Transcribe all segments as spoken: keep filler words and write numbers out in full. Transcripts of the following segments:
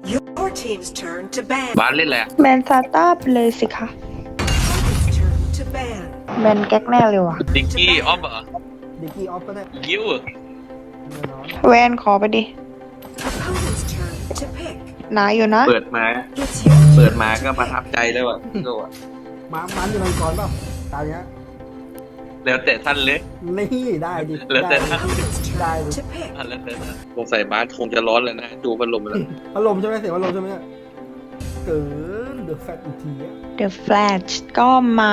Your team's turn to ban. บ้านเล่นแหละแบนซาต้าไปเลยสิคะ Opponent's turn to ban. แบนแก๊กแน่เลยว่ะดิกกี้ออฟเหรอดิกกี้ออฟก็ได้ยิ้วเหรอแน่นอนแวนขอไปดิ Opponent's turn to pick. หนาอยู่นะเปิดมา It's your เปิดมาก็ประทับใจแล้วอ่ะโซ่อะมามันอยู่มังกรเปล่าตาเนี้ยแล้วแต่ท่านเลยนี่ได้ดิแล้วแต่ได้ opponent's turn Dai. to pick. ท่านแล้วแต่ท่านสงสัยบ้านคงจะร้อนแล้วนะดูพัดลมแล้วพัดลมใช่ไหมเสียงพัดลมใช่ไหมเนี่ยเกินเดือดแฟตอีกทีอะ The Flash ก็มา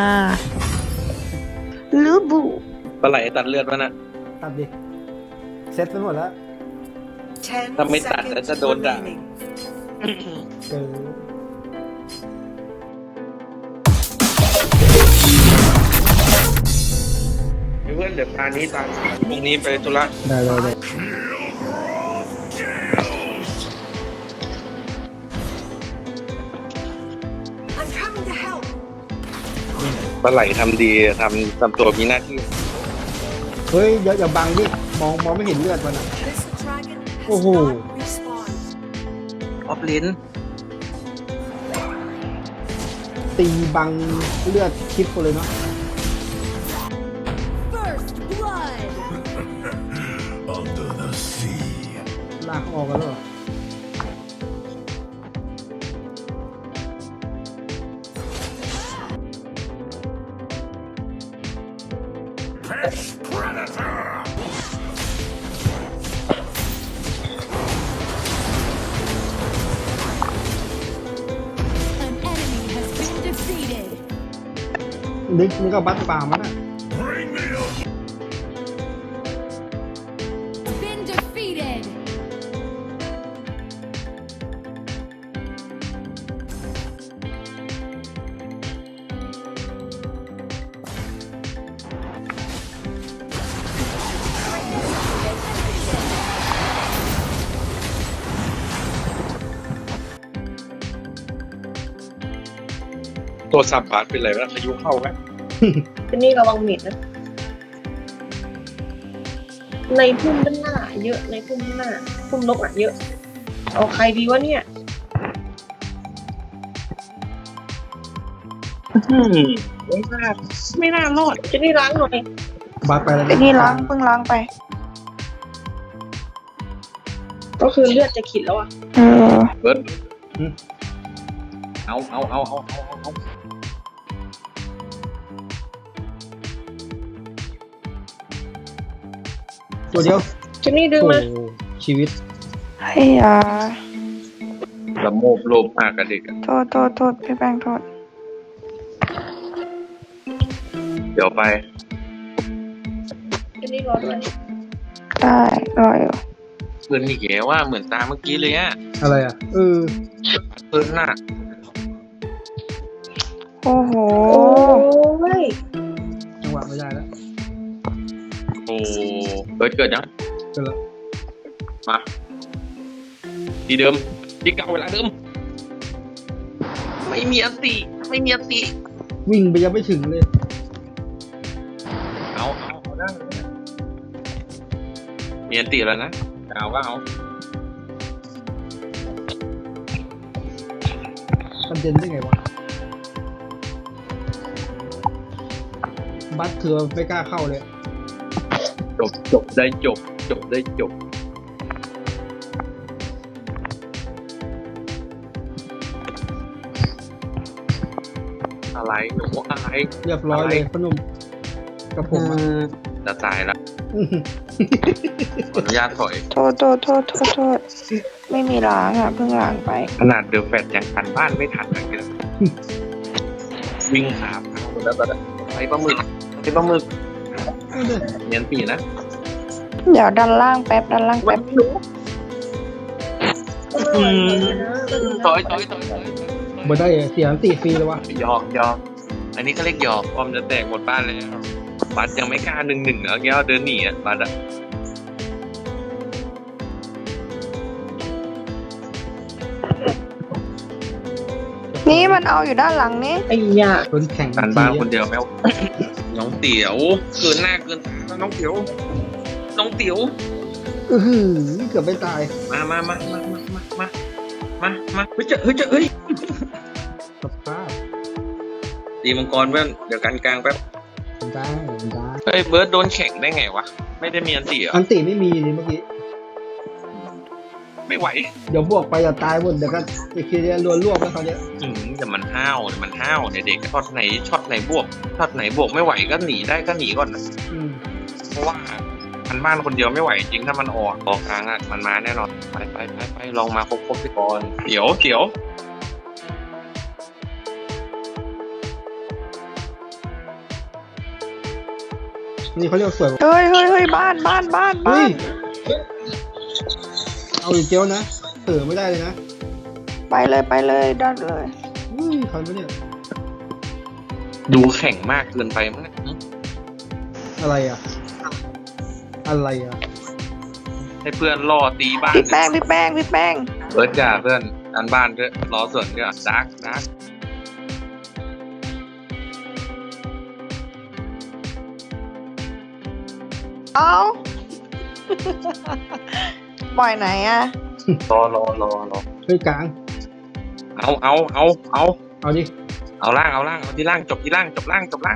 ลูบูปลาไหลตัดเลือดวะน่ะตัดดิเซ็ตไปหมดแล้ว Ten ถ้าไม่ตัดแล้ว seconds จะโดนด่า remaining. เกินเพื่อนเดี๋ยวพานี้ตามพรุ่งนี้ไปธุระได้ได้ได้ I'm coming to help. ปลาไหลทำดีทำทำตัวมีหน้าที่เฮ้ยอย่าอย่าบังดิมองมองไม่เห็นเลือดมันอะ This dragon has Oh. not respawned. ออฟลินตีบังเลือดคลิปกูเลยเนาะ First blood. Under the sea. ลากออกกันแล้วเหรอ An enemy has been defeated. นิกนี่ก็บัตป่ามันอะ Bring me up. Been defeated. ตัวสับบาทเป็นไรวะพายุเข้าไหมทีนี่ระวังเม็ดนะ ในพุ่มด้านหน้า เยอะในพุ่มด้านหน้า พุ่มนกอ่ะเยอะ เอาใครดีวะเนี่ยไม่น่าไม่น่ารอดทีนี่ล้างหน่อยบัตไปแล้วไอ้นี่ล้างเพิ่งล้างไปก็คือเลือดจะขีดแล้วอ่ะเออเบิร์ดเอาเอาเอาเอาเอาเอาตัวเดียวทีนี่ดึงโอ้มาชีวิตไอ้ยาละโมบโลภมากกับเด็กอะโทษโทษโทษพี่แป้งโทษเดี๋ยวไปทีนี่รอด้วยได้รออยู่เพื่อนนี่แกว่าเหมือนตาเมื่อกี้เลยอะอะไรอ่ะเออเพื่อนน่ะโอ้โหโอ้ยจังหวะไม่ได้แล้วโอ้เบิร์ดเกิดยังเกินแล้วมาที่เดิมที่เก่าเวลาเดิม ไม่มีอันติไม่มีอันติวิ่งไปยังไม่ถึงเลยเอาเอาเอาได้มีอันติแล้วนะเอาก็เอามันเด่นได้ไงวะบัตเถื่อไม่กล้าเข้าเลยจบจบได้จบ จบได้จบ อะไรหนูอะไรเรียบร้อยเลยพอหนุ่มกับผมอะจะตายแล้วขออนุญาตถอยโทษโทษโทษโทษโทษไม่มีล้างอ่ะเพิ่งล้างไปขนาดเดอะแฟตยังทันบ้านไม่ทันเลยเนี่ยวิ่งขาพังหมดแล้วตอนนี้ไปปลาหมึกไปปลาหมึกเนียนปีนะเดี๋ยวดันล่างแป๊บดันล่างแป๊บอืมถอยถอยถอยถอยบ่ได้เสียงตีฟรีเลยวะหยอกหยอกอันนี้เขาเรียกหยอกพร้อมจะแตกหมดบ้านแล้วบัตรยังไม่กล้าหนึ่งหนึ่งแล้วแก้วเดินหนีอ่ะบัตรอ่ะนี่มันเอาอยู่ด้านหลังนี่ไอ้ยาคนแข่งการบ้านคนเดียวแมว น้องเตี๋ยวเกินหน้าเกินตาแล้วน้องเตี๋ยวน้องเตี๋ยวอือหือเกือบไม่ตายมามามามามามามามามาเฮ้ยเจะเฮ้ยเจะเฮ้ยสภาพตีมังกรเพื่อนเดี๋ยวกันกลางแป๊บได้ได้เฮ้ยเบิร์ดโดนแข่งได้ไงวะไม่ได้มีอันตีเหรออันติไม่มีเลยเมื่อกี้ไม่ไหวเดี๋ยวบวกไปอย่าตายหมดเดี๋ยวก็อีกทีเดียวรวนรวบแล้วเขาวเนี้ยอืมแต่มันห้าวแต่มันห้าวเนี่ยเด็กช็อตไหนช็อตไหนบวกช็อตไหนบวกไม่ไหวก็หนีได้ก็หนีก่อนนะอืมเพราะว่าพันบ้านคนเดียวไม่ไหวจริงถ้ามันออกออกกลางอ่ะมันมาแน่นอนไปไปไปไปลองมาครบครบพี่กรเขียวเขียวนี่เขาเรียกสวยเฮ้ยเฮ้ยเฮ้ยบ้านบ้านบ้านเฮ้บ้าย นเอาอีกเจียวนะเออไม่ได้เลยนะไปเลยไปเลยดันเลยอุ้ยทันปะเนี่ยดูแข่งมากเกินไปมั้งเนี่ยอะไรอ่ะ อะไรอ่ะให้เพื่อนล่อตีบ้านพี่แป้งพี่แป้งพี่แป้งเบิร์ดจ้าเพื่อนอันบ้านด้วยรอส่วนด้วยดาร์กดาร์กเอา ปล่อยไหนอะรอรอรอรอเฮ้ยกลางเอาเอาเอาเอาเอาดิเอาล่างเอาล่างเอาที่ล่างจบที่ล่างจบล่างจบล่าง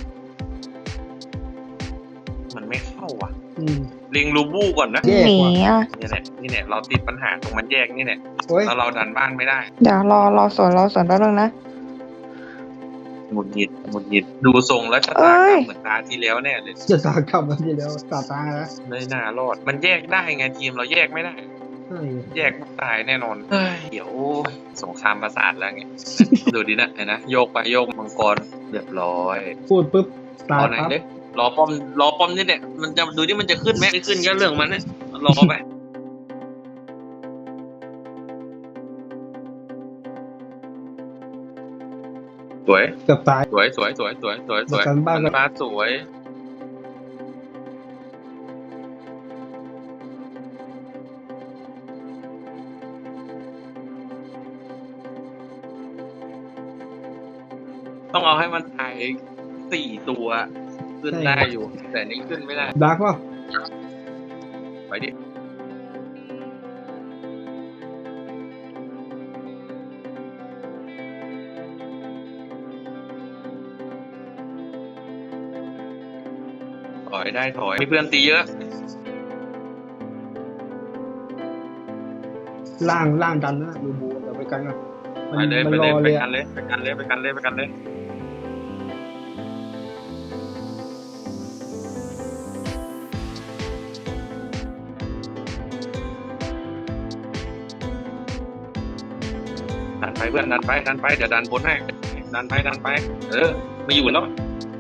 มันไม่เข้าว่ะอืมเล็งลูบูก่อนนะแยกหนีว่ะอะนี่แหละนี่แหละเราติดปัญหาตรงมันแยกนี่แหละโอ้ยแล้วเราดันบ้านไม่ได้เดี๋ยวรอรอสวนรอสวนแป๊บนึงนะหงุดหงิดหงุดหงิดดูทรงแล้วชะตากรรมเหมือนตาที่แล้วแน่เลยจะตากลับมาทีแล้วตาตานะไม่น่ารอด มันแยกได้ไงทีมเราแยกไม่ได้ใช่แยกตายแน่นอนเฮ้ยเดี๋ยวสงครามประสาทแล้วไง ดูดินะเห็นนะโยกไปโยกมังกรเรียบร้อยพูดปุ๊บรตาอย ไหนปั๊บเลยรอป้อมรอป้อมนี่แหละมันจะดูที่มันจะขึ้นไหมไม่ขึ้นก็เรื่องมันนะรอไปสวยเกือบตายสวยสวยสวยสวยสวยสวยกันบ้านบ้านสวยต้องเอาให้มันตายสี่ตัวขึ้นได้อยู่ แต่นี่ขึ้นไม่ได้ดาร์กป่ะไปดิถอยได้ถอยมีเพื่อนตีเยอะล่างล่างดันนะดูบูเดี๋ยวไปกันก่อนมัไปนเลยมัไปนรเลยอไปเลยกัอะนเลยไปกันเลยไปกันเลยไปกันเลยดันไปเพื่อนดันไปดันไปเดี๋ยวดันบนให้ดันไปดันไปเออไม่อยู่แล้ว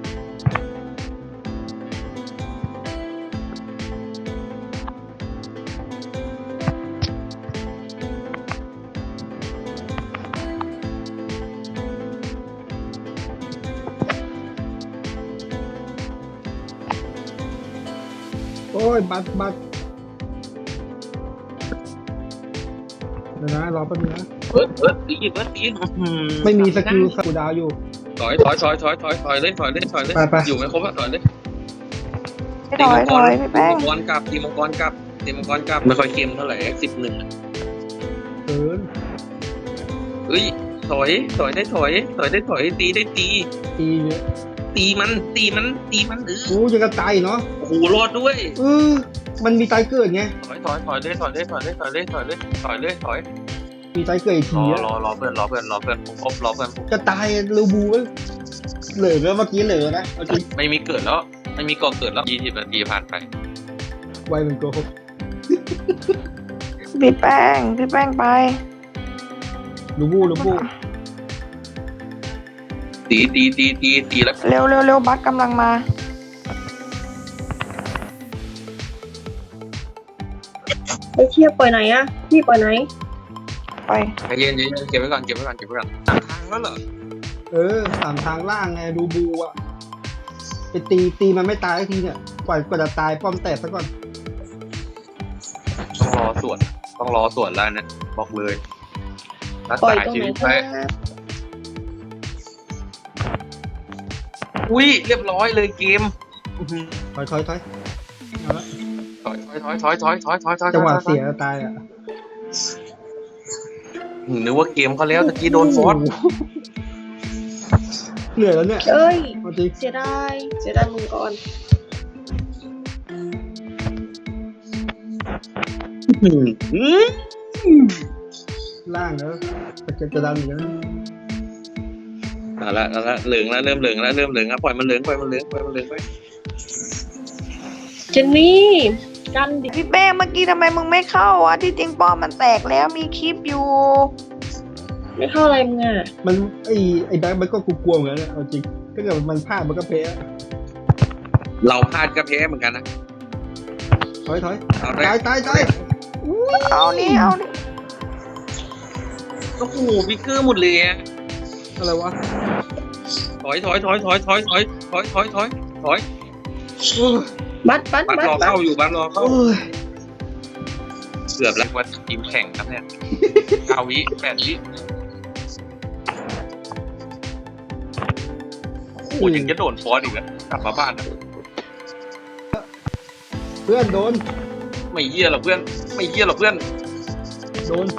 โอ้ยบัตบัตเดี๋ยวนะรอแป๊บนึงนะเบิร์ดเบิร์ดตีเบิร์ดตีอื้อหือไม่มีสกิลกูดาวอยู่ถอยถอยถอยถอยถอยถอยเลยถอยเลยถอยเลยไปไปอยู่ไม่ครบอะถอยเลยถอยถอยพี่แป้งตีมังกรกลับตีมังกรกลับตีมังกรกลับไม่ค่อยเค็มเท่าไหร่สิบหนึ่งเกินเอ้ยถอยถอยได้ถอยถอยได้ถอยตีได้ตีตีเยอะตีมันตีมันตีมันเออโอ้ยังกระตายเนาะโอ้โหรอดด้วยเออมันมีตายเกิดไงถอยถอยถอยเลยถอยเลยถอยเลยถอยเลยถอยเลยถอยเลยถอยมีตายเกิดอีกรทีออะรอรอเพื่อนรอเพื่อนรอเพื่อนผมครบรอเพื่อนผมกระตายรูบูเว้ยเหลือแล้วเมื่อกี้เหลือนะเอาจริงไม่มีเกิดแล้วไม่มีก่อเกิดแล้วยี่สิบนาทีผ่านไปไวเหมือนโกหกพี่แป้งพี่แป้งไปรูบูรูบูตีตีตีตีตีแล้วเร็วเร็วเร็วบัสกำลังมาไอ้เชี่ยปล่อยไหนอะพี่ปล่อยไหนไปใจเย็นใจเย็นเก็บไว้ก่อนเก็บไว้ก่อนเก็บไว้ก่อนสามทางแล้วเหรอเออสามทางล่างไงรูบูอะไปตีตีมันไม่ตายสักทีเนี่ยกว่ากว่าจะตายป้อมแตกซะก่อนต้องรอสวนต้องรอสวนแล้วนะบอกเลยรักปล่อยษาตรงชีไหนวิตคไว้รับอุ้ยเรียบร้อยเลยเกมอื้อหือถอยถอยถอยเอาละถอยถอยถอยถอยถอยถอยถอยถอยจังหวะเสียตายอะนึกว่าเกมเขาแล้วตะกี้โดนฟอสเหนื่อยแล้วเนี่ยเอ้ยเอาจริงเสียดายเสียดายมึงก่อนล่างแล้วจะจะดันอยู่แล้วเอาละเอาละเหลืองแล้วเริ่มเหลืองแล้วเริ่มเหลืองแล้วปล่อยมันเหลืองปล่อยมันเหลืองปล่อยมันเหลืองไปเจนนี่กันดิพี่เป้เมื่อกี้ทำไมมึงไม่เข้าอ่ะที่จริงป้อมมันแตกแล้วมีคลิปอยู่ไม่เข้าอะไรมึงอ่ะมันไอไอแบ็คมันก็กลัวๆเหมือนกันนะเอาจริงถ้าเกิดมันพลาดมันก็แพ้เราพลาดก็แพ้เหมือนกันนะถอยถอยเอาได้ตายตายตายเอานี่เอานี่โอ้โหพิกเกอร์หมดเลยอะอะไรวะถอยถอยถอยถอยถอยถอยถอยถอยถอยถอยโอ้ยบัดบัดบัตบัรดรอบัดเข้าอยู่บัตรรอเข้าโอ้ยเกือบแล้วว่าทีมแข่งครับเนี่ยเก้าวิแปดวิโอ้โหยังจะโดนฟอสอีกแล้วกลับมาบ้านนะเพื่อนโดนไม่เยี่ยหรอกเพื่อนไม่เยี่ยหรอกเพื่อนโดน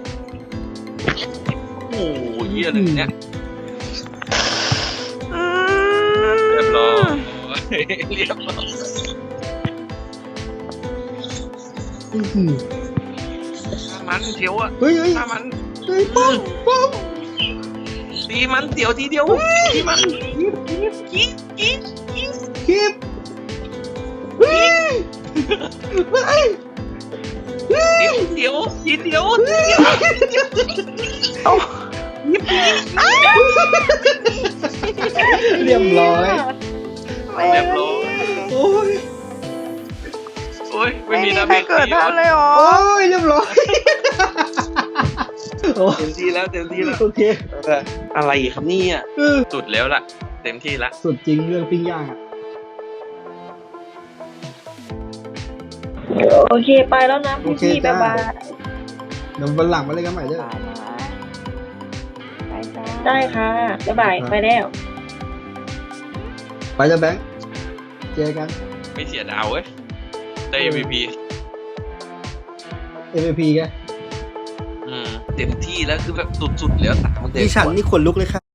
โอ้โหเยี่ยเลยเนี่ยอืมเรียบร้อยเรียบร้อยอื้อหือฆ่ามันเทียวอะเฮ้ยเฮ้ยฆ่ามันเฮ้ยป้อมป้อมตีมันเดี๋ยวทีเดียวตีมันกิ๊กกิ๊กกิ๊กคลิปเฮ้ยเฮ้ยเฮ้ยเดี๋ยวทีเดียวทีเดียวทีเดียวเอาเรียบร้อยไม่เรียบร้อยโอ้ยโอ้ยไม่ไม่มีมีนะใครเกิดทันเลยเหรอโอ้ยเรียบร้อยโอ้เต็มที่แล้วเต็มที่แล้วโอเคอะไรครับเนี่ยเออสุดแล้วล่ะ เต็มที่ละสุดจริงเรื่องปิ้งย่างอ่ะโอเคไปแล้วนะพี่พี่บ๊ายบายเดี๋ยววันหลังมาเล่นกันใหม่เด้อไปจ้าได้ค่ะบ๊ายบายไปแล้วไปจะแบงค์เจอกันไม่เสียดาวเว้ยได้ เอ็ม วี พีเอ็ม พี แกอืมเต็มที่แล้วคือแบบสุดๆแล้วสามเต็มดิฉันนี่ขนลุกเลยครับ